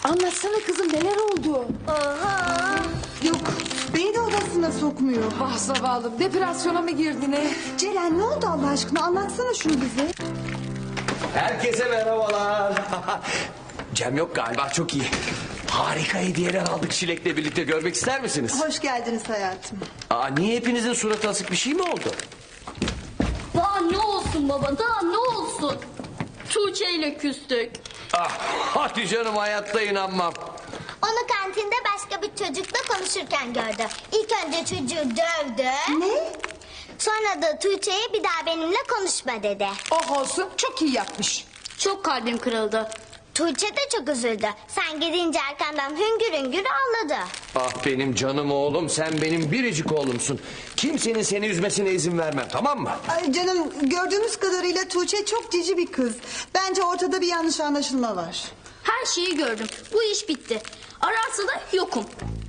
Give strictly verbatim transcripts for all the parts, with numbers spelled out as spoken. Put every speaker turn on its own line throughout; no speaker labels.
Anlatsana kızım, neler oldu?
Oha.
Yok, beni de odasına sokmuyor.
Ah zavallım, depresyona mı girdi ne?
Ceren ne oldu Allah aşkına, anlatsana şunu bize.
Herkese merhabalar. Cem yok galiba, çok iyi. Harika hediyeler aldık Çilek'le birlikte, görmek ister misiniz?
Hoş geldiniz hayatım.
Aa, niye hepinizin suratı asık, bir şey mi oldu?
Daha ne olsun baba, daha ne olsun? Tuğçe ile küstük.
Ah, hadi canım, hayatta inanmam.
Onu kantinde başka bir çocukla konuşurken gördü. İlk önce çocuğu dövdü.
Ne?
Sonra da Tuğçe'ye bir daha benimle konuşma dedi.
Oh olsun, çok iyi yapmış.
Çok kalbim kırıldı.
Tuğçe de çok üzüldü. Sen gidince arkandan hüngür hüngür ağladı.
Ah benim canım oğlum, sen benim biricik oğlumsun. Kimsenin seni üzmesine izin vermem, tamam mı?
Ay canım, gördüğümüz kadarıyla Tuğçe çok cici bir kız. Bence ortada bir yanlış anlaşılma var.
Her şeyi gördüm. Bu iş bitti. Ararsa da yokum.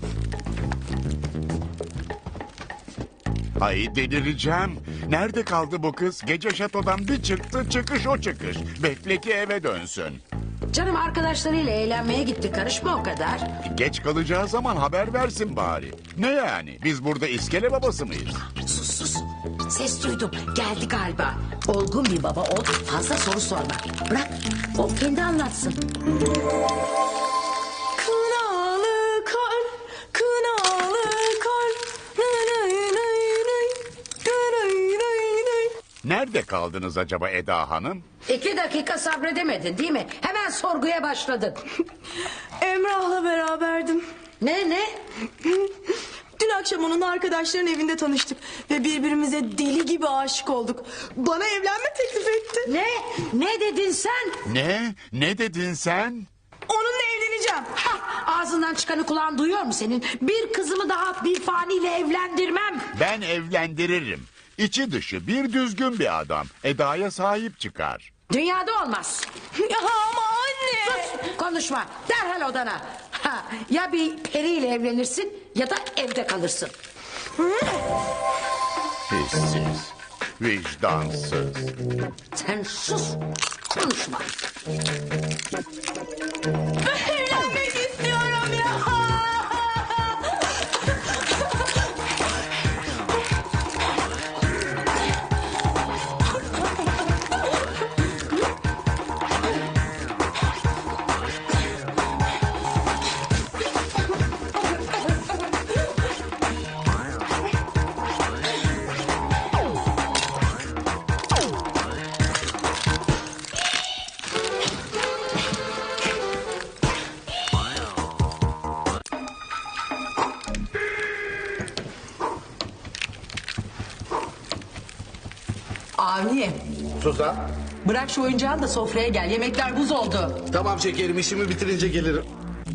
Ay delireceğim. Nerede kaldı bu kız? Gece şatodan bir çıktı, çıkış o çıkış. Bekle ki eve dönsün.
Canım arkadaşlarıyla eğlenmeye gitti, karışma o kadar.
Geç kalacağı zaman haber versin bari. Ne yani? Biz burada iskele babası mıyız?
Sus sus. Ses duydum, geldi galiba. Olgun bir baba ol, fazla soru sorma. Bırak, o kendi anlatsın.
Kınalı kar, kınalı kar. Nay, nay, nay, nay. Nay, nay, nay.
Nerede kaldınız acaba Eda Hanım?
İki dakika sabredemedin değil mi? Hemen sorguya başladın.
Emrah'la beraberdim.
Ne ne?
Dün akşam onun arkadaşların evinde tanıştık ve birbirimize deli gibi aşık olduk. Bana evlenme teklif etti.
Ne? Ne dedin sen?
Ne? Ne dedin sen?
Onunla evleneceğim.
Hah, ağzından çıkanı kulağın duyuyor mu senin? Bir kızımı daha bir faniyle evlendirmem.
Ben evlendiririm. İçi dışı bir düzgün bir adam. Eda'ya sahip çıkar.
Dünyada olmaz.
Ya ama anne.
Sus, konuşma. Derhal odana. Ha, ya bir periyle evlenirsin ya da evde kalırsın.
Hissiz, vicdansız.
Sen sus, konuşma.
Evlenmek istiyorum ya.
Avni,
Suzan.
bırak şu oyuncağını da sofraya gel. Yemekler buz oldu.
Tamam şekerim, işimi bitirince gelirim.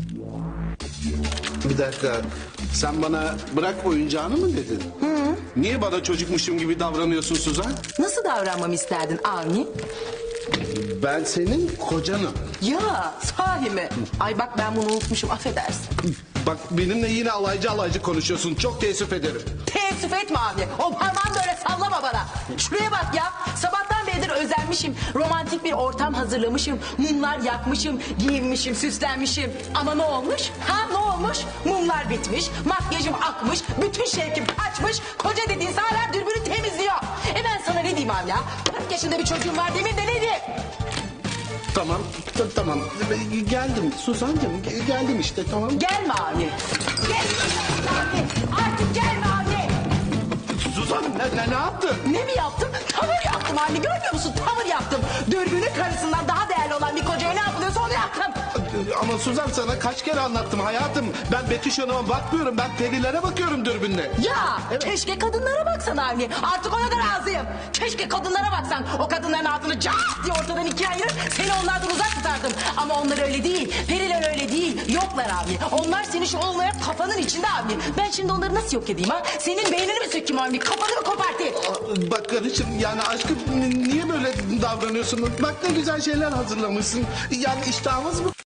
Bir dakika. Sen bana bırak oyuncağını mı dedin? Hı. Niye bana çocukmuşum gibi davranıyorsun Suzan?
Nasıl davranmamı isterdin Avni?
Ben senin kocanım.
Ya sahi mi? Ay bak ben bunu unutmuşum, affedersin.
Bak benimle yine alaycı alaycı konuşuyorsun. Çok teessüf ederim.
Teessüf etme Avni. O parmağını da öyle sallama bana. Şuraya bak ya. Sabahtan beridir özenmişim. Romantik bir ortam hazırlamışım. Mumlar yakmışım. Giyinmişim, süslenmişim. Ama ne olmuş? Ha ne olmuş? Mumlar bitmiş. Makyajım akmış. Bütün şevkim kaçmış. Koca dediğin hala dürbünü temizliyor. E ben sana ne diyeyim Avni ya? kırk yaşında bir çocuğum var demin de ne diyeyim?
Tamam, t- tamam. Geldim Suzan'cığım, ge- geldim işte, tamam.
Gelme Avni. Gelme Avni. Artık gelme Avni.
Suzan ne, ne, ne yaptın?
Ne mi yaptım? Tavır yaptım anne, görmüyor musun? Tavır yaptım. Dürbünün karısından daha değerli olan bir kocaya ne yapılıyorsa onu yaptım.
Ama Suzan sana kaç kere anlattım hayatım. Ben Betüş Hanım'a bakmıyorum, ben perilere bakıyorum dürbünle.
Ya keşke kadınlara baksan Avni. Artık ona da razıyım. Keşke kadınlara baksan. O kadınların altını cart diye ortadan ikiye ayırır. Seni onlardan uzak tutardım. Ama onlar öyle değil. Periler öyle değil. Yoklar Avni. Onlar seni şu olmayan kafanın içinde Avni. Ben şimdi onları nasıl yok edeyim ha? Senin beynini mi sökeyim Avni? Kafanı mı kopartayım?
Bak karıcığım, yani aşkım niye böyle davranıyorsun? Bak ne güzel şeyler hazırlamışsın. Yani iştahımız mı?